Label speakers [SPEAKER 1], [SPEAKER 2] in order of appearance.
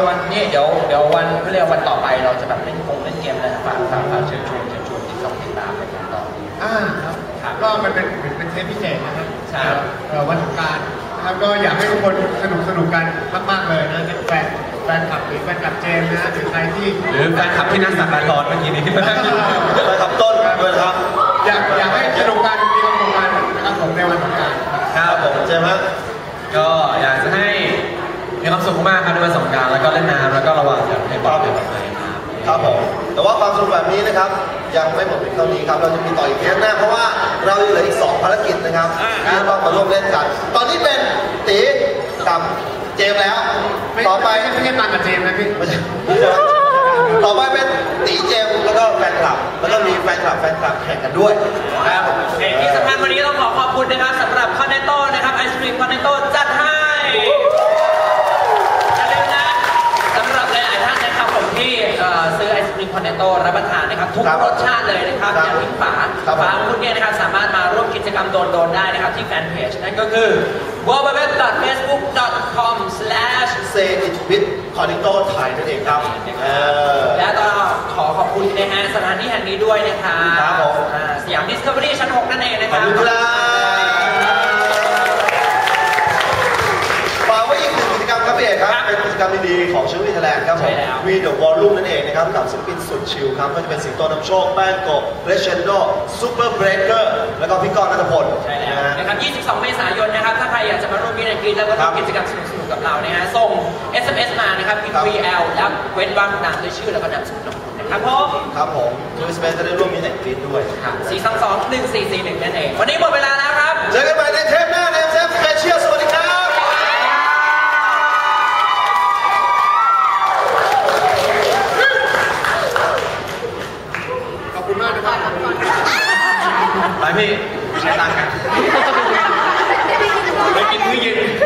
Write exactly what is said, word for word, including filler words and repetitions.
[SPEAKER 1] วันนี้เดี๋ยวเดี๋ยววันเพื่อเรียกวันต่อไปเราจะแบบเล่นคงเล่นเกมอะไรฝากฝากฝากเชิญชวนเชิญชวนติดต่อติดตามไปกันต่อ
[SPEAKER 2] อ่าครับก็มันเป็นเป็นเทปพิเศษนะครับ
[SPEAKER 1] ใช่
[SPEAKER 2] วันสงกรานต์นะครับก็อยากให้ทุกคนสนุกสนุกกันมากๆเลยนะแฟนแฟนคลับหรือแฟนคลับเจมนะหรือใครที่
[SPEAKER 3] หรือแฟนคลับที่นั่งสักการ์ดเมื่อกี้นี้ที่มานั่งอยู่แฟนคลับต้นด้วยครับ
[SPEAKER 2] อยากอยากให้สนุกกันมีความสุขกันนะครับผมในวันสงกรานต์
[SPEAKER 3] ครับผมเจมส์ก็อยากจะให้มีความสุขมากครับในวันสงกรานต์แล้วก็เล่นน้ำแล้วก็ระวังอย่าให้บาดเจ็บอะไร
[SPEAKER 4] ครับผมแต่ว่าความสนุกแบบนี้นะครับยังไม่หมดเพียงเท่านี้ครับเราจะมีต่ออีกเทปหน้าเพราะว่าเราเหลืออีกสองภารกิจนะครับที่ต้องมาร่วมเล่นกันตอนนี้เป็นตีกับเจมแล้วต่อไป
[SPEAKER 2] ไม่ใช่มากับเจมนะพี่
[SPEAKER 4] ไม่ใช่ต่อไปเป็นตีเจมแล้วก็แฟนคลับแล้วก็มีแฟนคลับแฟนคลับแข่งกันด้วย
[SPEAKER 1] ครับที่สำคัญวันนี้ต้องขอขอบคุณนะครับสำหรับคอนเนโต้นะครับไอศครีมคอนเนโต้จัดให้อย่าลืมนะสำหรับหลายๆท่านนะครับผมที่ซื้อไอศครีมคอนเนโต้รับประทานนะครับทุกรสชาติเลยนะครับอย่าทิ้งฝาฝาของคุณเนี่ยนะครับสามารถมาร่วมกิจกรรมโดนๆได้นะครับที่แฟนเพจนั่นก็คือ ดับเบิลยู ดับเบิลยู ดับเบิลยู ดอท เฟซบุ๊ก ดอท คอม สแลช
[SPEAKER 4] เซอิทวิทคอนเนโต้ไทยนั่นเองครับ
[SPEAKER 1] และก็ขอขอบคุณนะฮะสถานที่แห่งนี้ด้วยนะครับ
[SPEAKER 4] ครับผม
[SPEAKER 1] สยามดิสคัฟเวอรี่ชั้นหกนั่นเองนะครับ
[SPEAKER 4] ขอบคุณครับฝากไว้อีกหนึ่งกิจกรรมครับพี่เอกครับเป็นกิจกรรมดีๆของชิลลี่ไทยแลนด์ครับผมวีเดอะวอลลุ่มนั่นเองนะครับกับศิลปินสุดชิลครับก็จะเป็นสิงโตนำโชคแป้งโกะเรเชนโดซูเปอร์เบรกเกอร์แล้วก็พี่กรณ์ณัฐพล
[SPEAKER 1] ใช่แล้วนะครับยี่สิบสองเมษายนนะครับถ้าใครอยากจะมาร่วมกิจกรรมแล้วก็ทำกิจกรรมสนุกๆกับเรานะฮะส่ง เอส เอ็ม เอส มานะครับพิมพ์ วี แอล แล้วเว้นวรรคนามด้วยชื่อแล้วก็นามสกุลของคุณนะครับผม
[SPEAKER 4] ครับผมทูสเปซจะได้ร่วมมีแอนฟีดด้วย
[SPEAKER 1] ครับสี่สองสองหนึ่งสี่สี่หนึ่งนั่นเองวันนี้หมดเวลาแล้วครับ
[SPEAKER 4] เจอกันใหม่ในเทปหน้าในเทปสเปเชียลสวัสดีครับ
[SPEAKER 2] ขอบคุณมากนะครับ
[SPEAKER 3] ไปพี่ใช้ตังค์กันไปกินมื้อเย็น